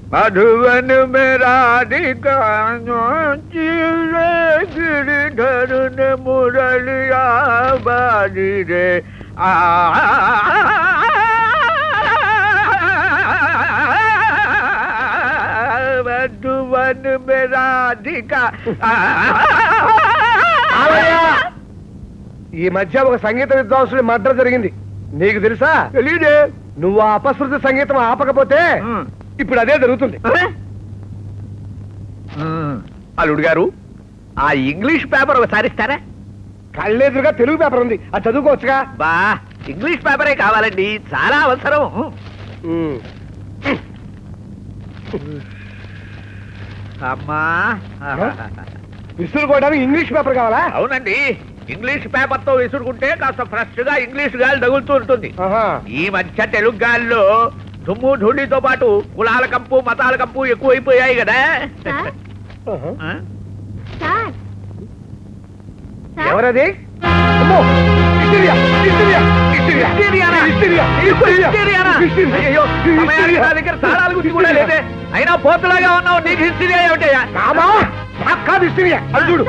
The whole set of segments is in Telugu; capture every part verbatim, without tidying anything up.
मधुवन में राधिका गिरिधर ने मुरलिया बाजी रे आ मधुवन में राधिका ఈ మధ్య ఒక సంగీత విద్వాంసుడి మర్డర్ జరిగింది, నీకు తెలుసా? తెలీదే. నువ్వు ఆ అపశృతి సంగీతం ఆపకపోతే ఇప్పుడు అదే జరుగుతుంది. అల్లుడు గారు, ఆ ఇంగ్లీష్ పేపర్ ఒకసారి ఇస్తారా? కళ్ళెదురుగా తెలుగు పేపర్ ఉంది, అది చదువుకోవచ్చుగా. బా, ఇంగ్లీష్ పేపరే కావాలండి, చాలా అవసరం. అమ్మా, విసురుకోవడానికి ఇంగ్లీష్ పేపర్ కావాలా? అవునండి, ఇంగ్లీష్ పేపర్ తో విసురుకుంటే కాస్త ఫ్రెష్ గా ఇంగ్లీష్ గాలి తగులుతూ ఉంటుంది. ఈ మధ్య తెలుగు గాలిలో దుమ్ము ధూళితో పాటు కులాల కంపు మతాల కంపు ఎక్కువైపోయాయి కదా. ఎవరది? దగ్గర తాళాల గురించి కూడా లేదే, అయినా పోతులాగా ఉన్నావు, నీకు హిస్టరీ ఏమిటయ్యా? కాదు హిస్టరీ, అది చూడు.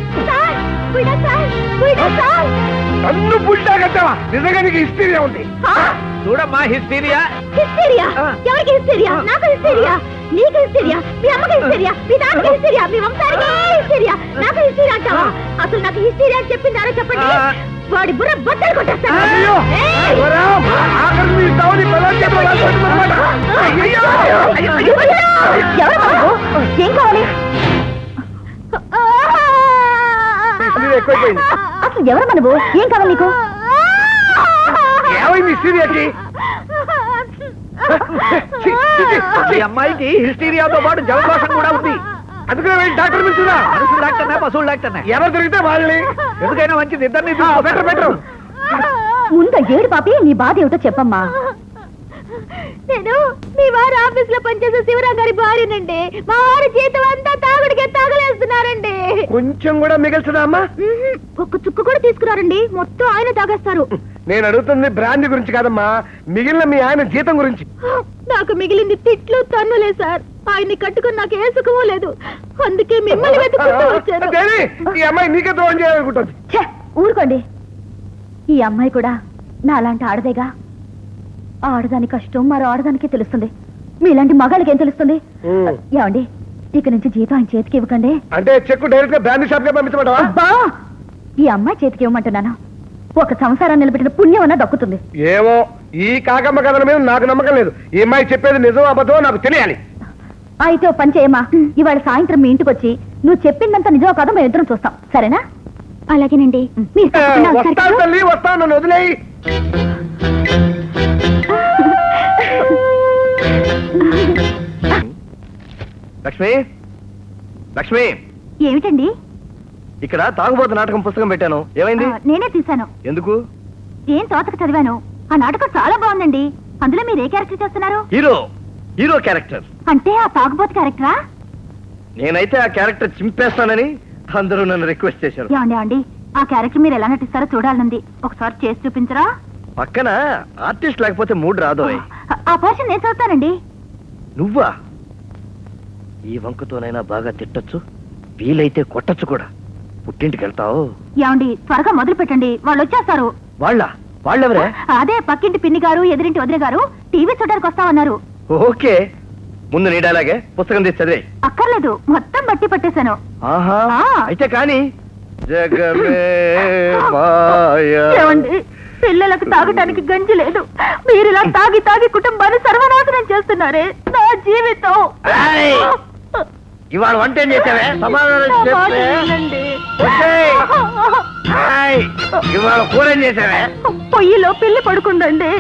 నన్ను పుల్టా కట్టావా? నిజంగా నీకు హిస్టరీయా ఉంది? చూడమ్మా, హిస్టీరియా. హిస్టీరియా? ఎవరికి హిస్టీరియా? నాకు హిస్టీరియా. నీకు హిస్టీరియా? మీ అమ్మకి హిస్టీరియా? మీ నాన్నకి హిస్టీరియా? మీ వంశానికి హిస్టీరియా? నాకు హిస్టీరియా అంటావా? అసలు నాకు హిస్టీరియా అని చెప్పిందారో చెప్పండి, వాడి బుర్ర బట్టలు కొట్టేస్తాను. ఏం కావాలి? అసలు ఎవరు మనవు? ఏం కావాలి నీకు? ఏమైంది హిస్టరీయాకి? ఈ అమ్మాయికి హిస్టీరియాతో పాటు జలదోషం కూడా ఉంది. అందుకనే వెళ్ళి డాక్టర్ పిలుచుదా? మనుషులు డాక్టర్నా పశువులు డాక్టర్నా? ఎవరు దొరికితే వాళ్ళని. ఎందుకైనా మంచిది, ఇద్దరిని బెటర్ బెటర్. ముందు ఏడు పాపి, నీ బాధ ఏమిటో చెప్పమ్మా. నేను మీ వారు ఆఫీస్ లో పనిచేసే శివరాం గారి భార్యనండి. మా వారి జీతం అంతా తాగుడికే తాగలేస్తున్నారండి. కొంచెం కూడా మిగల్చదా అమ్మా? ఒక్క చుక్క కూడా తీసుకురారండి, మొత్తం ఆయన తాగేస్తారు. నేను అడుగుతుంది బ్రాండ్ గురించి కాదమ్మా, మిగిలిన మీ ఆయన జీతం గురించి. నాకు మిగిలింది తిట్లు తన్నులే సార్. ఆయన్ని కట్టుకుని నాకు ఏ సుఖమూ లేదు, అందుకే మిమ్మల్ని వెతుక్కుంటూ వచ్చాను. ఈ అమ్మాయి నీకే ద్రోహం చేయాలనుకుంటుంది. ఊరుకోండి, ఈ అమ్మాయి కూడా నా అలాంటి ఆడదేగా. ఆడదాని కష్టం మరో ఆడదానికే తెలుస్తుంది, మీలాంటి మగాళ్ళకి ఏం తెలుస్తుంది? ఏమండి, ఇక నుంచి జీతం ఆయన చేతికి ఇవ్వకండి. అంటే చెక్కు డైరెక్ట్ గా బ్రాండ్ షాప్ గా పంపించమంటావా? ఈ అమ్మాయి చేతికి ఇవ్వమంటున్నాను, ఒక సంసారాన్ని నిలబెట్టిన పుణ్యం అన్నా దక్కుతుంది. ఏమో, ఈ కాకమ్మ కథల మీద నాకు నమ్మకం లేదు. ఈ అమ్మాయి చెప్పేది నిజం అబద్ధం నాకు తెలియాలి. అయితే ఓ పని చేయమ్మా, ఇవాళ సాయంత్రం మీ ఇంటికి వచ్చి నువ్వు చెప్పిందంతా నిజం కాదో మేము ఇద్దరం చూస్తాం, సరేనా? అలాగేనండి. వస్తాను తల్లి, వస్తాను, నన్ను వదిలేయి. లక్ష్మి, లక్ష్మి, ఏమిటండి? ఇక్కడ తాగుబోతు నాటకం పుస్తకం పెట్టాను, ఏమైంది? నేనే తీశాను. ఎందుకు? ఏం తోతకు చదివాను, ఆ నాటకం చాలా బాగుందండి. అందులో మీరు ఏ క్యారెక్టర్ చేస్తున్నారు? హీరో. Hero character. అంటే ఆ తాగుబోతు క్యారెక్టరా? నేనైతే ఆ క్యారెక్టర్ చింపేస్తానని అందరూ నన్ను రిక్వెస్ట్ చేశారు. ఏమండి ఏమండి, ఆ క్యారెక్టర్ మీరు ఎలా నటిస్తారో చూడాలనుంది, ఒకసారి చేసి చూపించరా? పక్కన ఆర్టిస్ట్ లేకపోతే మూడ్ రాదు. ఆ పోర్షన్ నేను చదువుతానండి. నువ్వా? ఈ వంకతోనైనా బాగా తిట్టొచ్చు, వీలైతే కొట్టచ్చు కూడా. పుట్టింటికి వెళ్తావు? ఏమండి, త్వరగా మొదలు పెట్టండి, వాళ్ళు వచ్చేస్తారు. వాళ్ళ వాళ్ళెవరే? అదే పక్కింటి పిన్ని గారు ఎదురింటి వదిన గారు టీవీ చూడడానికి వస్తామన్నారు. ఓకే, ముందు నీడలాగే పుస్తకం తీసి చదివే. అక్కర్లేదు, మొత్తం బట్టి పట్టేశాను. ఆహా, అయితే కానీ. ఏమండి, పిల్లలకు తాగటానికి గంజి లేదు, మీరు ఇలా తాగి తాగి కుటుంబాన్ని సర్వనాశనం చేస్తున్నారే. నా జీవితం. ఇవాళ వంట ఏం చేసావే? సమాధానం చెప్పే. ఇవాళ కూర ఏం చేసావే? పొయ్యిలో పిల్లి పడుకుందండి.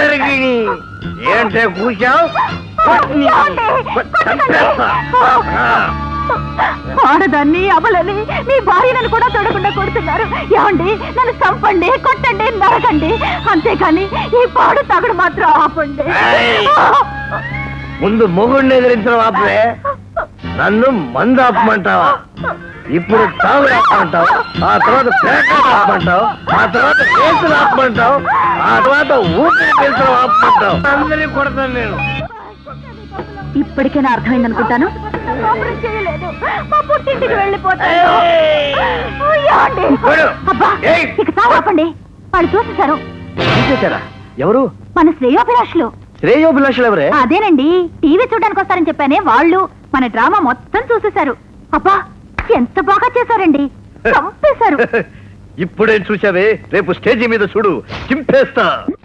ఏంటే కూర్చావు? ఆడదాన్ని అమలని మీ భార్యను కూడా చూడకుండా కొడుతున్నారు. ఏమండి, నన్ను చంపండి, కొట్టండి, నరకండి, అంతేకాని ఈ పాడు తాగుడు మాత్రం ఆపండి. ముందు మొగుడిని ఎదిరించడం ఆపే, నన్ను మందు ఆపమంటావా? ఇప్పుడు తాగు ఆపమంటావు, ఆ తర్వాత పేకాట ఆపమంటావు, ఆ తర్వాత కేసులు ఆపమంటావు, ఆ తర్వాత ఊపిరి పీల్చడం ఆపమంటావు. అందరినీ కొడతాను నేను. ఇప్పటికైనా అర్థమైంది అనుకుంటాను. చేయలేదు మా పుట్టింటికి వెళ్ళిపోతాను. అబ్బా ఇక చావు ఆపండి. వాళ్ళు చూసేశారు. చూసేశారా? ఎవరు? మన శ్రేయోభిలాషులు. శ్రేయోభిలాషులు ఎవరే? అదేనండి, టీవీ చూడడానికి వస్తారని చెప్పానే వాళ్ళు మన డ్రామా మొత్తం చూసేశారు. అబ్బా ఎంత బాగా చేశారండి, చంపేశారు. ఇప్పుడేం చూసావే, రేపు స్టేజీ మీద చూడు, చింపేస్తా.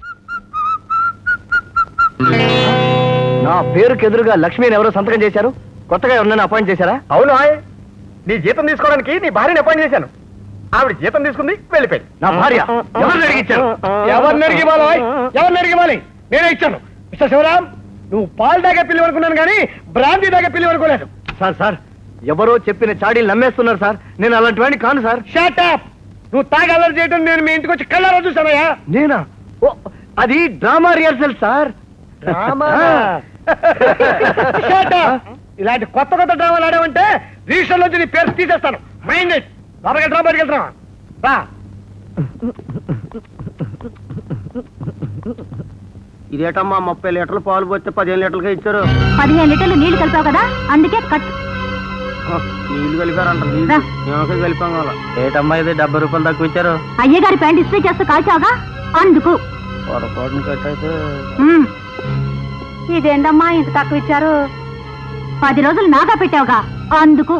నా పేరుకి ఎదురుగా లక్ష్మిని ఎవరో సంతకం చేశారు. కొత్తగా ఎవరినైనా అపాయింట్ చేశారా? అవును, నీ జీతం తీసుకోవడానికి నీ భార్యని అపాయింట్ చేశాను. ఆవిడ జీతం తీసుకుంది, వెళ్ళిపోయింది. నా భార్య ఎవరిని అడిగించారు? ఎవరిని అడిగి ఇవ్వాలి? ఎవరిని అడిగి ఇవ్వాలి? నేనే ఇచ్చాను. మిస్టర్ శివరాం, నువ్వు పాలు దాకా పిల్లి అనుకున్నాను కానీ బ్రాంతి దాకా పిల్లి అనుకోలేదు. సార్ సార్ ఎవరో చెప్పిన చాడీలు నమ్మేస్తున్నారు సార్. నేను అలాంటి వాడిని కాను సార్. Shut up! నువ్వు తాగి అల్లరి చేయడం నేను మీ ఇంటికి వచ్చి కళ్ళారా చూసానయ్యా. నేనా? ఓ అది drama rehearsal sir. Shut up! ఇలాంటి కొత్త కొత్త డ్రామాలు ఆడామంటే రిజిస్టర్ నుంచి నీ పేరు తీసేస్తాను. Mind it. లోపలికి డ్రా బయటకి వెళ్తున్నా రా. ఇదేటమ్మా ముప్పై లీటర్లు పాలు పోతే పదిహేను లీటర్లుగా ఇచ్చారు. పదిహేను లీటర్లు నీళ్లు కలిపావు కదా, అందుకే కట్. నీళ్లు కలిపారంట. నీళ్ళు కలిపాం కదా. ఏటమ్మా ఇది డెబ్బై రూపాయలు తక్కువ ఇచ్చారు. అయ్యగారి ప్యాంట్ ఇస్త్రీ చేస్తూ కాల్చావుగా, అందుకు. పొరపాటును కట్టయితే ఇదేంటమ్మా ఇంత తక్కువ ఇచ్చారు? పది రోజులు నాగా పెట్టావుగా, అందుకు.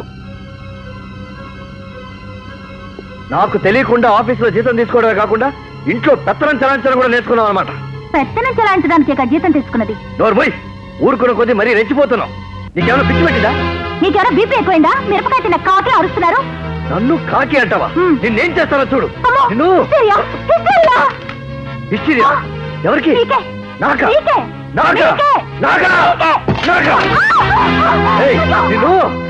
నాకు తెలియకుండా ఆఫీసులో జీతం తీసుకోవడమే కాకుండా ఇంట్లో పెత్తనం చలాంచడం కూడా నేర్చుకున్నాం అనమాట. పెత్తనం చలాయించడానికి జీతం తీసుకున్నది. నోరు పోయి, ఊరుకున్న కొద్దీ మరీ రెచ్చిపోతున్నావు. నీకేమైనా పిచ్చి పెట్టిందా? నీకెవరో బీపీ ఎక్కువైందా? మిరపకాయ తిన్న కాకి అరుస్తున్నారు. నన్ను కాకి అంటావా? హ్మ్. నిన్నేం చేస్తానో చూడు. నిన్ను హిస్టీరియా, హిస్టీరియా. హిస్టీరియా? ఎవరికి? నీకే. నాకా? నీకే. నాకా? నీకే. నాకా? నాకా? ఏయ్, నిన్ను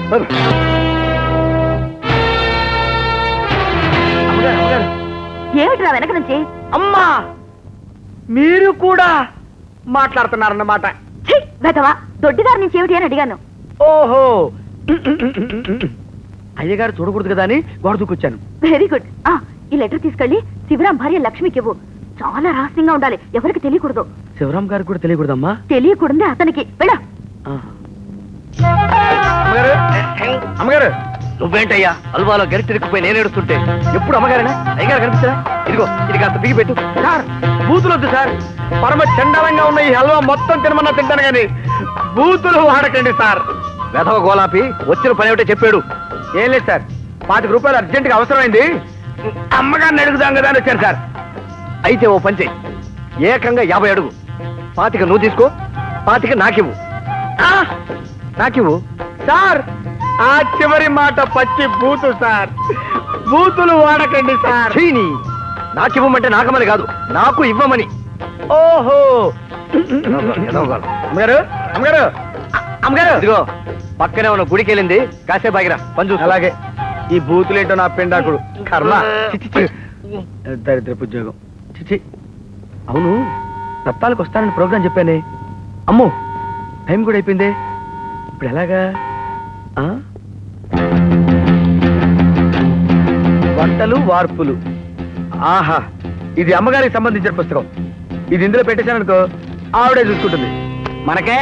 అమ్మగారు, అమ్మగారు. ఏమిట్రా వెనక నుంచి? అమ్మా, మీరు కూడా మాట్లాడుతున్నారన్నమాట. ఛీ, వెధవా, దొడ్డిదారి నుంచి ఏమిటి అని అడిగాను. ఓహో, అయ్యగారు చూడకూడదు కదా అని గోడ దూకొచ్చాను. Very good. ఆ ఈ లెటర్ తీసుకెళ్ళి శివరాం భార్య లక్ష్మికి ఇవ్వు. చాలా రహస్యంగా ఉండాలి, ఎవరికి తెలియకూడదు. శివరాం గారికి కూడా తెలియకూడదమ్మా. తెలియకూడదే అతనికి. వెళ్ళా. అమ్మగారు, అమ్మగారు, నువ్వేంటయ్యా హల్వాలో గరిటెరికిపోయి నేను ఏడుస్తుంటే ఎప్పుడు అమ్మగారేనా? అయ్యగారు కనిపిస్తారా? ఇదిగో ఇది కాస్త బిగి పెట్టు. సార్ బూతులొద్దు సార్. పరమ చండాలంగా ఉన్న ఈ హల్వా మొత్తం తినమన్నా తింటాను కానీ బూతులు వాడకండి సార్. వెధవ గోలాపి వచ్చిన పని ఏమిటో చెప్పాడు. ఏం లేదు సార్, పాతిక రూపాయలు అర్జెంట్ గా అవసరమైంది, అమ్మగారిని అడుగుదాం కదా అని వచ్చాను సార్. అయితే ఓ పంచే, ఏకంగా యాభై అడుగు. పాతిక నువ్వు తీసుకో, పాతిక నాకివ్వు. ఆ, నాకివ్వు. సార్ ఆ చివరి మాట పచ్చి బూతు సార్. బూతులు వాడకండి సార్. చీని, నాకివ్వమంటే నాకమని కాదు, నాకు ఇవ్వమని. ఓహో, ఎదవ గోల. అమ్మగారు, అమ్మగారు, అమ్మగారు, ఇదిగో పక్కనే ఉన్న గుడికి వెళ్ళింది, కాసేపు ఆగిరా పని చూసు. అలాగే. ఈ బూతులేంటో నా పెండాకుడు కర్మ. చిచి, చి. దరిద్రపు ఉద్యోగం. చిచి. అవును, సప్తాలకు వస్తానని ప్రోగ్రాం చెప్పానే. అమ్మో, టైం కూడా అయిపోయిందే. ఇప్పుడు ఎలాగా? ఆ? వంటలు వార్పులు. ఆహా, ఇది అమ్మగారికి సంబంధించిన పుస్తకం. ఇది ఇందులో పెట్టేశాననుకో ఆవిడే చూసుకుంటుంది. మనకే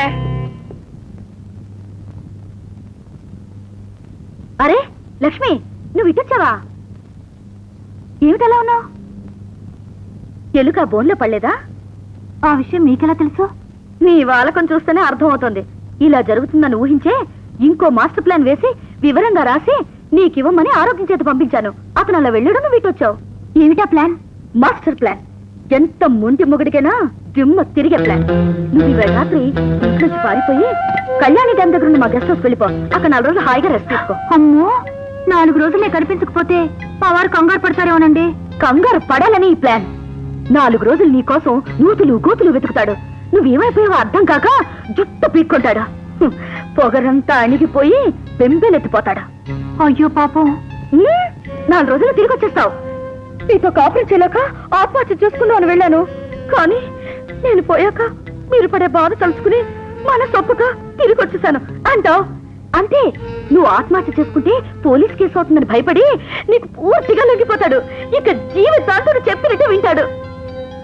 అరే లక్ష్మి, నువ్వు ఇటొచ్చావా? ఏమిటలా ఉన్నావు? ఎలుక బోన్లో పడలేదా? ఆ విషయం మీకెలా తెలుసు? నీ వాలకం చూస్తేనే అర్థమవుతోంది. ఇలా జరుగుతుందని ఊహించే ఇంకో మాస్టర్ ప్లాన్ వేసి వివరంగా రాసి నీకివ్వమని ఆరోగ్యం చేత పంపించాను. అతను అలా వెళ్ళాడు, నువ్వు ఇటొచ్చావు. ఏమిటా ప్లాన్? Master plan. ఎంత మొండి మొగుడికైనా దిమ్మ తిరిగే ప్లాన్. నువ్వు ఇవాళ రాత్రి ఇంట్లోంచి పారిపోయి కళ్యాణి డ్యామ్ దగ్గర ఉన్న మా గెస్ట్ హౌస్ వెళ్ళిపో. అక్కడ నాలుగు రోజులు హాయిగా రెస్ట్ తీసుకో. అమ్మో, నాలుగు రోజులే కనిపించకపోతే మా వారు కంగారు పడతారేమోనండి. కంగారు పడాలని ఈ ప్లాన్. నాలుగు రోజులు నీ కోసం నూతులు గోతులు వెతుకుతాడు. నువ్వేమైపోయావో అర్థం కాక జుట్టు పీక్కుంటాడా. హ్మ్, పొగరంతా అణిగిపోయి బెంబేలెత్తిపోతాడా. అయ్యో పాపం. హ్మ్, నాలుగు రోజులు తిరిగి వచ్చేస్తావు. నీతో కాపురం చేయలేక ఆత్మహత్య చేసుకుందాం అని వెళ్ళాను. కానీ నేను పోయాక మీరు పడే బాధ తలుచుకుని మన సొప్పుగా తిరిగి వచ్చేసాను అంటావు. అంతే, నువ్వు ఆత్మహత్య చేసుకుంటే పోలీస్ కేసు అవుతుందని భయపడి నీకు పూర్తిగా లొంగిపోతాడు. ఇక జీవితాంతుడు చెప్పినట్టు వింటాడు.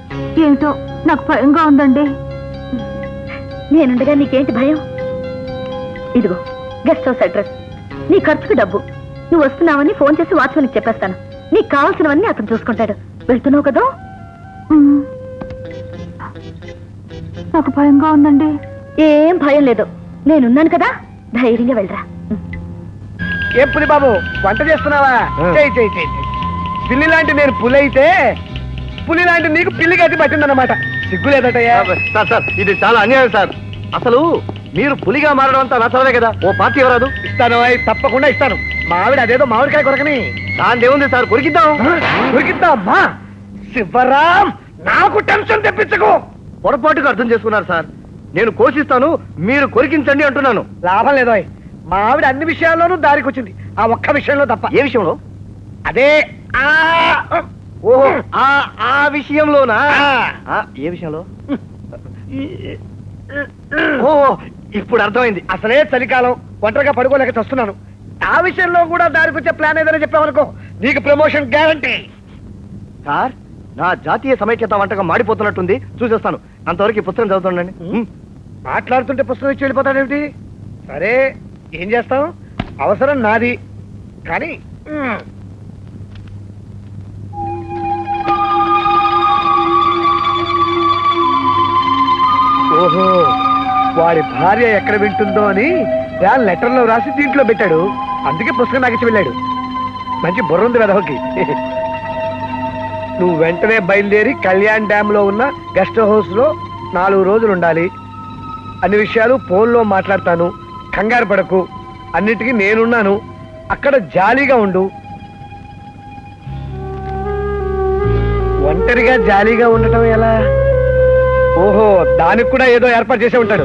ఏమిటో నాకు భయంగా ఉందండి. నేనుండగా నీకేంటి భయం? ఇదిగో గెస్ట్ హౌస్ అడ్రస్, నీ ఖర్చుకు డబ్బు. నువ్వు వస్తున్నావని ఫోన్ చేసి వాచ్మెన్కి చెప్పేస్తాను. నీకు కావాల్సినవన్నీ అతను చూసుకుంటాడు. వెళ్తున్నావు కదా? నాకు భయంగా ఉందండి. ఏం భయం లేదు, నేనున్నాను కదా, ధైర్యంగా వెళ్ళరా. ఏం పులి బాబు వంట చేస్తున్నావా? చేయి చేయి చేయి చేయి. పిల్లి లాంటి నేను పులి అయితే పులి లాంటి నీకు పిల్లి గతి పట్టిందన్నమాట. సిగ్గు లేదటయ్యా. సార్ సార్ ఇది చాలా అన్యాయం సార్. అసలు మీరు పులిగా మారడం అంతా నచ్చలే కదా. ఓ పార్టీ ఎవరాదు? ఇస్తాను అయ్, తప్పకుండా ఇస్తాను. మా ఆవిడ అదేదో మామిడికాయ కొరకని దాని ఏముంది సార్, కొరికిద్దాం. ఉరికిద్దామా? శివరాం, నాకు టెన్షన్ తెప్పించకు. పొరపాటుగా అర్థం చేసుకున్నారు సార్. నేను కోసిస్తాను, మీరు కొరికించండి అంటున్నాను. లాభం లేదు అయ్. మా ఆవిడ అన్ని విషయాల్లోనూ దారికొచ్చింది, ఆ ఒక్క విషయంలో తప్ప. ఏ విషయంలో? అదే ఆ ఓహో ఆ ఆ విషయంలోనా? ఆ. ఆ, ఏ విషయంలో? ఓహో ఇప్పుడు అర్థమైంది. అసలే చలికాలం, ఒంటరిగా పడుకోలేక చస్తున్నాను. ఆ విషయంలో కూడా దారికొచ్చే ప్లాన్ ఏదైనా చెప్పావనుకో, నీకు ప్రమోషన్ గ్యారంటీ. సార్ నా జాతీయ సమైక్యత వంటకం మాడిపోతున్నట్టుంది, చూసేస్తాను. అంతవరకు ఈ పుస్తకం చదువుతుండండి. ఉమ్. మాట్లాడుతుంటే పుస్తకం ఇచ్చి వెళ్ళిపోతాడేమిటి? సరే, ఏం చేస్తాం, అవసరం నాది. కానీ ఉమ్. ఓహో, వాడి భార్య ఎక్కడ వింటుందో అని దాని లెటర్లో రాసి దీంట్లో పెట్టాడు. అందుకే పుస్తకం నాకు ఇచ్చి వెళ్ళాడు. మంచి బుర్ర ఉంది వెదవకి. నువ్వు వెంటనే బయలుదేరి కళ్యాణ్ డ్యామ్ లో ఉన్న గెస్ట్ హౌస్ లో నాలుగు రోజులు ఉండాలి. అన్ని విషయాలు ఫోన్లో మాట్లాడతాను, కంగారు పడకు. అన్నిటికీ నేనున్నాను, అక్కడ జాలీగా ఉండు. ఒంటరిగా జాలీగా ఉండటం ఎలా? ఓహో, దానికి కూడా ఏదో ఏర్పాటు చేసే ఉంటాడు.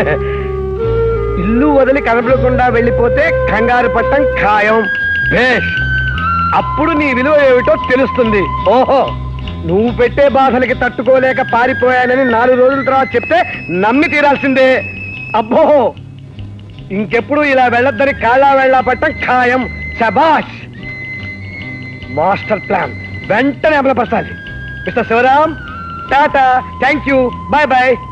ఇల్లు వదిలి కనపడకుండా వెళ్ళిపోతే కంగారు పట్టం ఖాయం. భేష్, అప్పుడు నీ విలువ ఏమిటో తెలుస్తుంది. ఓహో, నువ్వు పెట్టే బాధలకి తట్టుకోలేక పారిపోయానని నాలుగు రోజుల తర్వాత చెప్తే నమ్మి తీరాల్సిందే. అబ్బో, ఇంకెప్పుడు ఇలా వెళ్ళొద్దని కాళ్ళ వెళ్ళా పట్టం ఖాయం. శబాష్, మాస్టర్ ప్లాన్ వెంటనే అమలుపరచాలి. Mister Shivaram, tata, thank you, bye bye.